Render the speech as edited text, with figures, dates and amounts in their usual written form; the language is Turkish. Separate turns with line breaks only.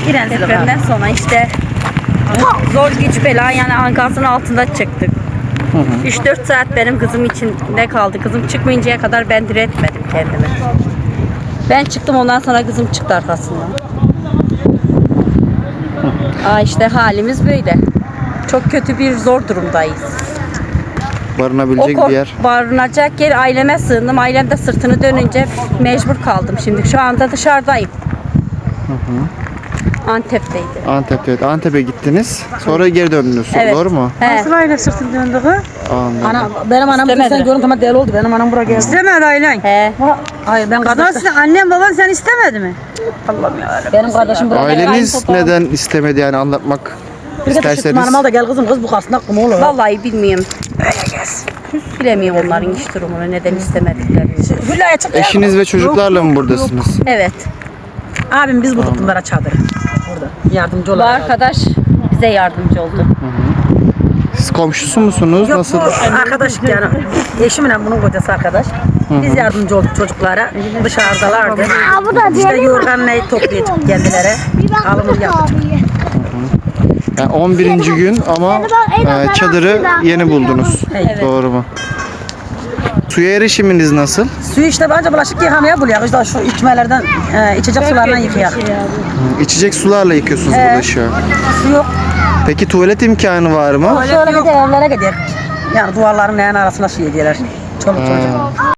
Depremden sonra işte zor güç bela yani enkazın altında çıktık. 3-4 saat benim kızım içinde kaldı. Kızım çıkmayıncaya kadar ben diretmedim kendimi. Ben çıktım, ondan sonra kızım çıktı arkasından. İşte halimiz böyle. Çok kötü bir zor durumdayız.
Barınabilecek bir yer.
Barınacak yer, aileme sığındım. Ailem de sırtını dönünce mecbur kaldım. Şimdi şu anda dışarıdayım. Antep'teydi.
Antep'te. Antep'e gittiniz. Sonra geri döndünüz.
Evet.
Doğru mu?
He.
Nasıl aile sırtını döndü kız?
Anladım.
Benim anam
İstemedi.
sen görüntü ama deli oldu. Benim anam buraya geldi.
İstemedi ailen.
He.
Hayır ben
Kadın
kardeşim.
annen baban sen istemedi mi? Allah'ım yarabbim.
Benim kardeşim buraya geldi.
Aileniz neden istemedi yani anlatmak
Bir de
isterseniz?
hanıma da gel kızım kız bu karşısında kum olur.
Vallahi bilmiyorum. Bilemiyorum onların iş durumunu, neden istemediklerini.
Hülya'ya çık.
Eşiniz ve çocuklarla mı buradasınız?
Evet.
Abim biz bulduk bunlara çadırı. Burada yardımcı
Bu
olarak.
arkadaş bize yardımcı oldu.
Siz komşusu musunuz?
Yok
Nasıl?
bu arkadaş yani eşimle bunun kocası arkadaş. Biz yardımcı olduk çocuklara. Dışarıdalardı. İşte yorganla toplayacak kendileri. Alımını yaptık.
Yani 11. gün ama çadırı yeni buldunuz.
Evet.
Doğru mu? Suya erişiminiz nasıl?
Suyu işte bence bulaşık yıkamaya buluyor. İşte şu içmelerden, içecek sularından yıkayak.
İçecek sularla yıkıyorsunuz
Evet.
bulaşığı.
Su yok.
Peki tuvalet imkanı var mı?
Şöyle gider evlere gider. Yani duvarların neyin arasına su yediler. Çoluk çocuk.